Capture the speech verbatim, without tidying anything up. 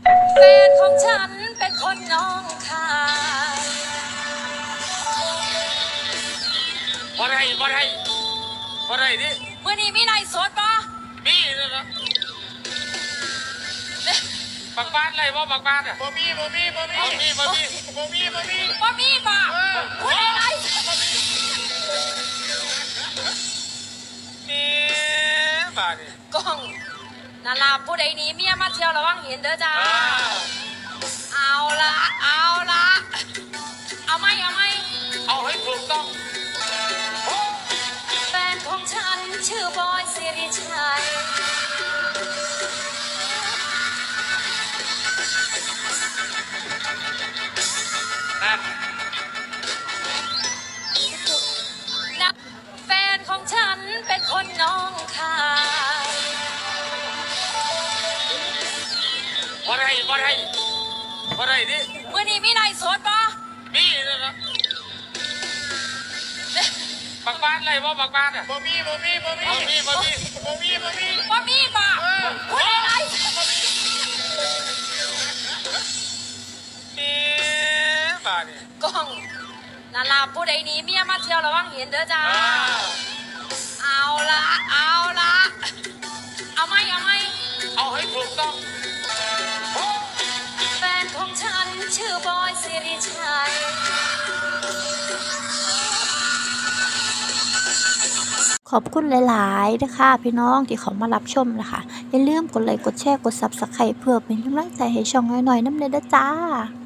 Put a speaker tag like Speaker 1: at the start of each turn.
Speaker 1: แฟนของฉันเป็นคนน้องคาย
Speaker 2: บ่ได้บ่ได้บ่ได้ดิ
Speaker 1: เมื่อนี้มีไลฟ์สดปะ
Speaker 2: มีนะนะบักบ้านอะไรบ่บักบ้านอ่ะ
Speaker 3: บ่มีบ่มีบ่มี
Speaker 2: บ่มีบ่มี
Speaker 3: บ่มีบ่มี
Speaker 1: ปะมีปะพูดอะไร
Speaker 2: นี่บ้านี่
Speaker 1: กล้องนาลาผู้ใดหนี้เมียมาเที่ยวระวังเห็นเด้อจ้าเอาละเอาละเอาไหมเอาไหม
Speaker 2: เอาให้ถูกต้อง
Speaker 1: แฟนของฉันชื่อบอยสิริชัย
Speaker 2: นั่น
Speaker 1: นะแฟนของฉันเป็นคนน้องคาย
Speaker 2: บ่ได้บ่ได้บ่ได้ดิ
Speaker 1: เมื่อนี้มีไลฟ์สดปะ
Speaker 2: มีนะนะบักบ้านอะไรบ่บักบ้านอ่ะ
Speaker 3: บ่มีบ่มีบ่มี
Speaker 2: บ่มีบ่มี
Speaker 3: บ่มีบ่มี
Speaker 1: ปะมีปะพูดอะไร
Speaker 2: นี่บ้านี่
Speaker 1: กล้องนาลาผู้ใดหนี้เมียมาเที่ยวระวังเห็นเด้อจ้าเอาละเอาละเอาไหมเอาไหม
Speaker 2: เอาให้ถูกต้อง
Speaker 1: แฟนของฉันชื่อบอยสิริชัย
Speaker 4: ขอบคุณหลายๆนะคะพี่น้องที่เขามารับชมนะคะอย่าลืมกดไลค์กดแชร์กดซับสไครป์เพื่อเป็นกำลังใจให้ช่องน้อยๆน้ำเนยเด้อจ้า